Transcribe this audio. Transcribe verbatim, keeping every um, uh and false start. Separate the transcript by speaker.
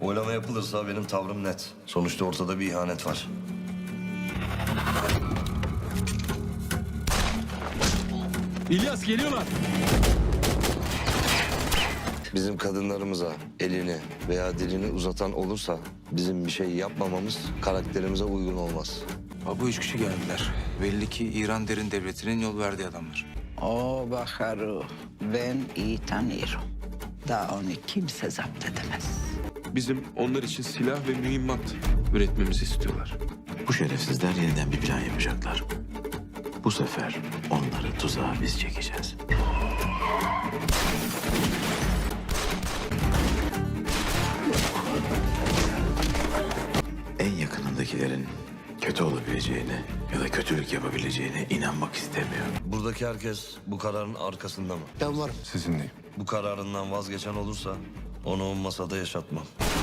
Speaker 1: Oylama yapılırsa benim tavrım net. Sonuçta ortada bir ihanet var.
Speaker 2: İlyas geliyorlar.
Speaker 1: Bizim kadınlarımıza elini veya dilini uzatan olursa bizim bir şey yapmamamız karakterimize uygun olmaz.
Speaker 3: Ha, bu üç kişi geldiler. Belli ki İran derin devletinin yol verdiği adamlar.
Speaker 4: O Bahar'ı ben iyi tanıyorum. Daha onu kimse zapt edemez.
Speaker 2: Bizim onlar için silah ve mühimmat üretmemizi istiyorlar.
Speaker 5: Bu şerefsizler yeniden bir plan yapacaklar. Bu sefer onları tuzağa biz çekeceğiz. En yakınındakilerin kötü olabileceğine ya da kötülük yapabileceğine inanmak istemiyor.
Speaker 1: Buradaki herkes bu kararın arkasında mı?
Speaker 6: Ben varım.
Speaker 7: Sizinleyim.
Speaker 1: Bu kararından vazgeçen olursa onu o masada yaşatmam.